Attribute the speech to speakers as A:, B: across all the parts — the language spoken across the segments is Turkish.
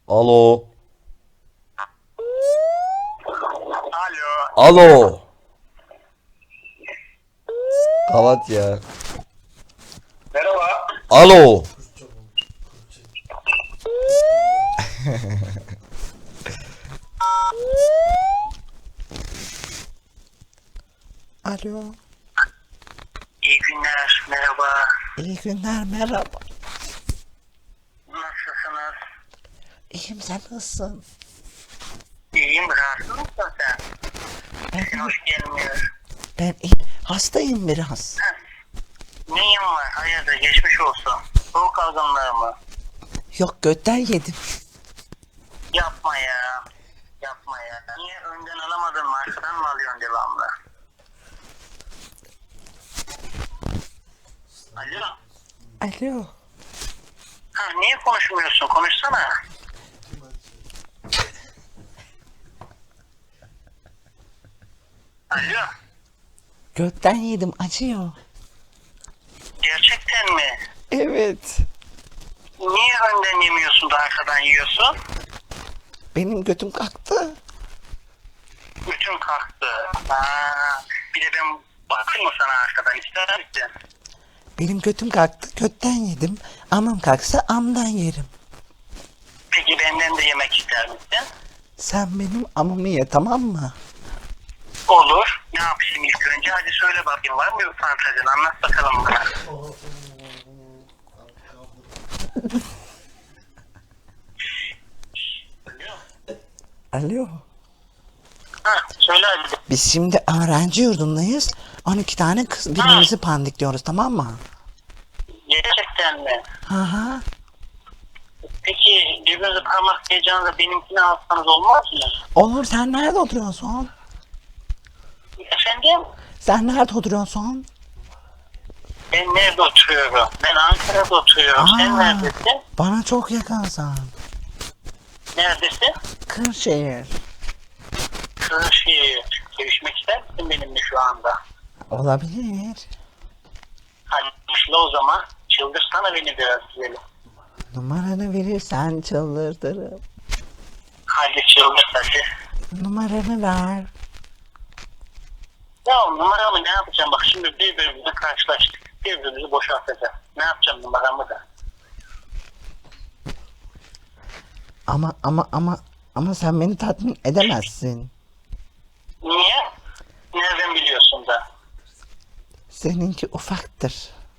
A: Alo.
B: Alo.
A: Alo. Kapat ya.
B: Merhaba.
A: Alo. Alo.
B: İyi günler. Merhaba.
A: İyi günler, merhaba.
B: Nasılsınız?
A: İyiyim, sen nasılsın?
B: İyiyim. Rahatsız mısın sen? Sesin hoş gelmiyor.
A: Ben hastayım biraz.
B: Neyin var? Hayırdır? Geçmiş olsun. Soğuk algınlığı mı?
A: Yok, götten yedim.
B: Yapma ya. Yapma ya. Niye önden alamadın mı? Arkadan mı alıyorsun devamlı? Alo.
A: Alo.
B: Niye konuşmuyorsun? Konuşsana. Alo.
A: Götten yedim, acıyor.
B: Gerçekten mi?
A: Evet.
B: Niye önden yemiyorsun da arkadan yiyorsun?
A: Benim götüm kalktı.
B: Bütün kalktı. Bir de ben bakayım mı sana arkadan, ister misin?
A: Benim götüm kalktı, götten yedim. Amım kalksa amdan yerim.
B: Peki benden de yemek ister misin?
A: Sen benim amımı ye, tamam mı?
B: Olur. Ne yapayım ilk önce? Hadi söyle bakayım, var mı bir fantezin? Anlat bakalım bana.
A: Alo.
B: Söyle hadi.
A: Biz şimdi öğrenci yurdundayız. 12 tane kız birbirimizi pandikliyoruz, tamam mı?
B: Gerçekten mi?
A: Hı hı.
B: Peki birbirinize parmak diyeceğinize benimkini alsanız olmaz mı?
A: Olur, sen nerede oturuyorsun?
B: Efendim?
A: Sen nerede oturuyorsun?
B: Ben nerede oturuyorum? Ben Ankara'da oturuyorum. Sen neredesin?
A: Bana çok yakınsın.
B: Neredesin?
A: Kırşehir.
B: Kırşehir. Görüşmek ister misin benimle şu anda?
A: Olabilir.
B: Hadi başla o zaman. Çıldırsana beni biraz güzelim.
A: Numaranı verirsen çıldırtırım.
B: Hadi çıldır hadi.
A: Numaranı ver.
B: Ya numaramı ne yapacağım? Bak şimdi birbirimizle karşılaştık. Birbirimizi boşaltacağız. Ne yapacağım numaramı da?
A: Ama sen beni tatmin edemezsin.
B: Niye? Nereden biliyorsun da?
A: Seninki ufaktır.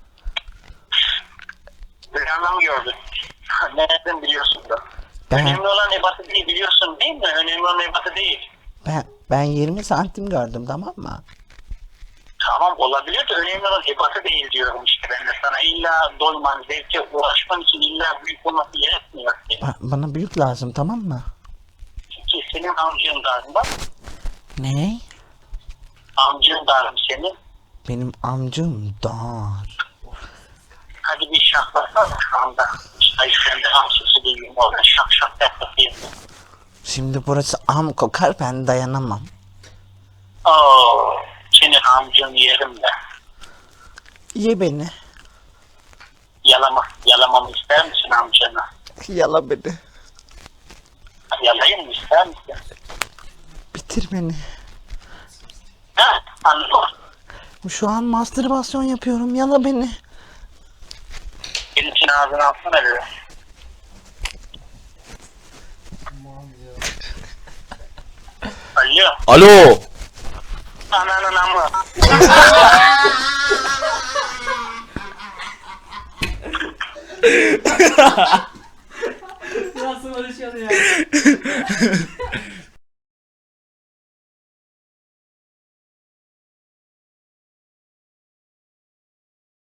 B: Rüyanda mı gördün? Nereden biliyorsun da?
A: Ben-
B: Önemli olan ebatı değil, biliyorsun değil mi? Önemli olan ebatı değil.
A: Ben 20 santim gördüm, tamam mı?
B: Tamam olabilir de önemli olan ebatı değil diyorum işte ben de sana. İlla doyman, zevke ulaşman için illa büyük olması gerekmiyor ki.
A: Bana büyük lazım, tamam mı?
B: Ki senin amcın dar mı?
A: Ne?
B: Amcın dar mı senin?
A: Benim amcım dar.
B: Hadi bir şaklasana şu anda. Ay sen de amcası değilim orada şak şak yapayım.
A: Şimdi burası am kokar, ben dayanamam.
B: Oo, senin amcın yerim de.
A: Ye beni.
B: Yalamamı ister misin amcanı?
A: Yala beni.
B: Yalayayım mı ister misin?
A: Bitir beni.
B: Ha, anladım.
A: Şu an mastürbasyon yapıyorum, yala beni.
B: Benim için ağzını alsana bir. Alo.
A: Alo.
B: Ananın amı.
C: Nasıl konuşuyordu ya?